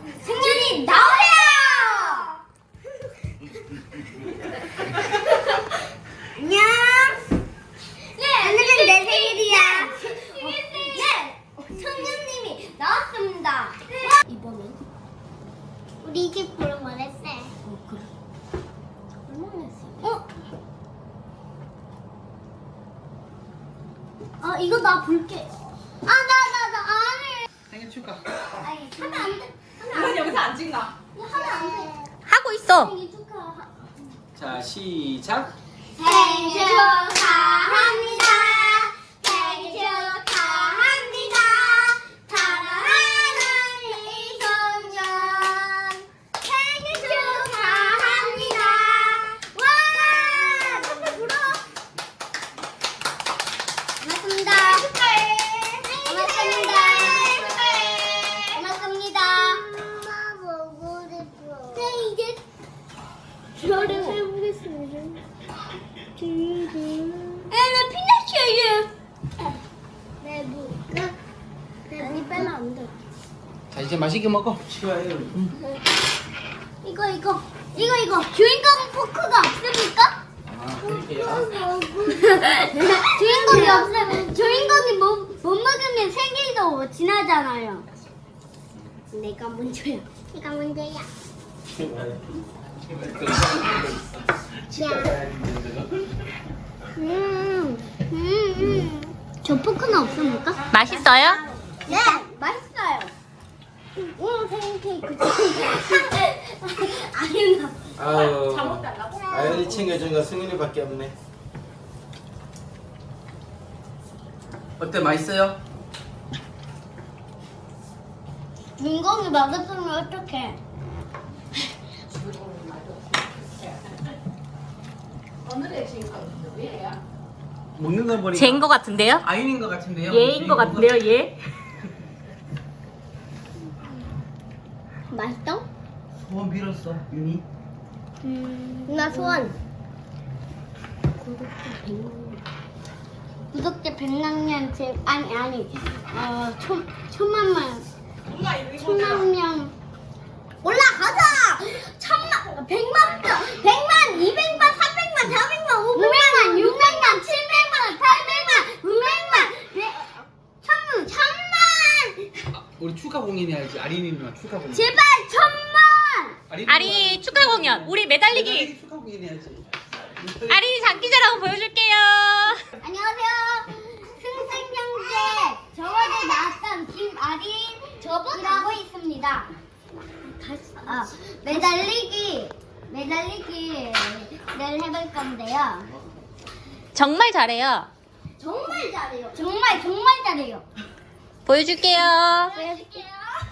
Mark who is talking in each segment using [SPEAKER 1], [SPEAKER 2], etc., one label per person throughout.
[SPEAKER 1] 승윤이 나와요. 안녕. 네, 오늘은 내 생일이야. 네, 승윤님이 나왔습니다. 이번엔 우리 집 보러 말했어. 그래. 얼마나 했어? 이거 나 볼게. 나 안 해.
[SPEAKER 2] 생일 축하.
[SPEAKER 1] 아니, 하면 안 돼.
[SPEAKER 3] 이건 여기서 안 찍나?
[SPEAKER 1] 하면 안 돼.
[SPEAKER 4] 하고 있어.
[SPEAKER 1] 생일 축하.
[SPEAKER 2] 자, 시작.
[SPEAKER 1] 생일 축하합니다. 생일 축하합니다. 사랑하는 이소년 생일 축하합니다. 와! 선물 불어. 고맙습니다. 축하해. 고맙습니다. 축하해. 고맙습니다. 엄마 보고 싶어. 네, 이제 저를 해보겠습니다. 나 피나치예요. 내 물 빼면 안 돼.
[SPEAKER 2] 자, 이제 맛있게 먹어. 치워요.
[SPEAKER 1] 이거. 주인공 포크가 없습니까?
[SPEAKER 2] 아, 그럴게요.
[SPEAKER 1] 주인공이 없으면 주인공이 못 먹으면 생일도 지나잖아요. 내가 먼저야. 저 포크는 없습니까?
[SPEAKER 4] 맛있어요?
[SPEAKER 1] 네, 맛있어요. 오늘 생일 케이크. 아니나.
[SPEAKER 2] 아유,
[SPEAKER 3] 잠옷 달라고?
[SPEAKER 2] 아연이 챙겨준 거 승윤이밖에 없네. 어때, 맛있어요?
[SPEAKER 1] 주인공이 맛없으면 어떡해?
[SPEAKER 3] 오늘의 주인공 누구예요?
[SPEAKER 2] 먹는 거 보니까
[SPEAKER 4] 쟤인 것 같은데요?
[SPEAKER 2] 아윤인 것 같은데요?
[SPEAKER 4] 얘인 것 같은데요, 얘?
[SPEAKER 1] 맛있어?
[SPEAKER 2] 소원 빌었어, 윤이.
[SPEAKER 1] 나 소원. 구독자 100만 제 아니 천만만
[SPEAKER 3] 엄마 여기
[SPEAKER 1] 천만 명 올라가자. 1000만 100만 200만 300만 400만 500만 600만 700만 800만 900만 1000만
[SPEAKER 2] 우리 축하 공연 해야지. 아린이 누나 축하 공연.
[SPEAKER 1] 제발 1000만.
[SPEAKER 4] 아린이 축하 공연. 우리 매달리기.
[SPEAKER 2] 축하 공연 해야지.
[SPEAKER 4] 아린이 장기자랑 보여줄게요.
[SPEAKER 1] 안녕하세요. 승승형제 저번에 나왔던 김아린이라고 있습니다. 매달리기를 해볼 건데요.
[SPEAKER 4] 정말 잘해요.
[SPEAKER 1] 정말 잘해요. 정말 잘해요.
[SPEAKER 4] 보여줄게요.
[SPEAKER 1] 보여줄게요.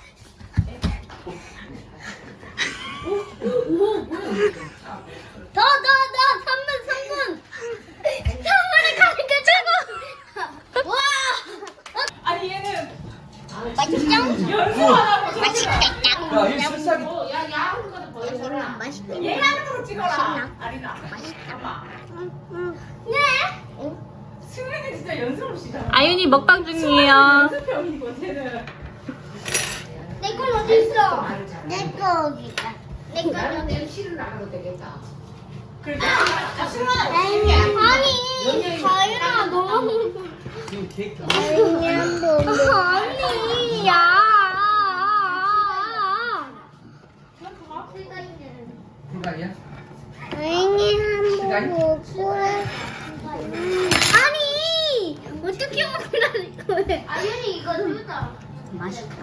[SPEAKER 1] 더 3분. 3분에 가니까 최고. 와.
[SPEAKER 3] 아니 얘는
[SPEAKER 1] 맛있죠?
[SPEAKER 3] 연습하라고
[SPEAKER 1] 맛있겠다.
[SPEAKER 2] 야, 이 술사기.
[SPEAKER 3] 야 야한 거는 보여줘라.
[SPEAKER 1] 맛있겠다.
[SPEAKER 3] 얘 하는 거 찍어라. 아리나. 엄마.
[SPEAKER 1] 네.
[SPEAKER 3] 승민이 진짜 연습 없이잖아.
[SPEAKER 4] 아윤이 먹방 중이에요.
[SPEAKER 3] 연습형이고 쟤는.
[SPEAKER 1] 내 건 어디 있어? 내 거 여기 있다. 내 거 여기.
[SPEAKER 3] 그러니까.
[SPEAKER 1] 아니, 자유라 너무.
[SPEAKER 2] 지금 케이크.
[SPEAKER 1] 아니야.
[SPEAKER 2] 불가이야?
[SPEAKER 1] 아니 어떻게 먹으라는 거예요? 아니 이거 주다. 맛있다.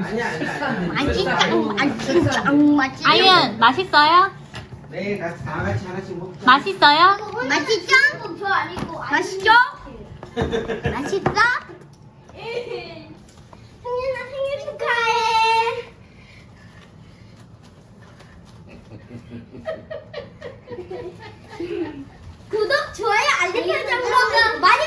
[SPEAKER 1] 맛있다.
[SPEAKER 4] 아윤, 맛있어요?
[SPEAKER 2] 네, 다 같이 하나씩 먹자.
[SPEAKER 4] 맛있어요?
[SPEAKER 1] 맛있죠? 저 아니고 맛있죠? 맛있어? 승윤아 생일 축하해. 구독, 좋아요, 알림 설정 많이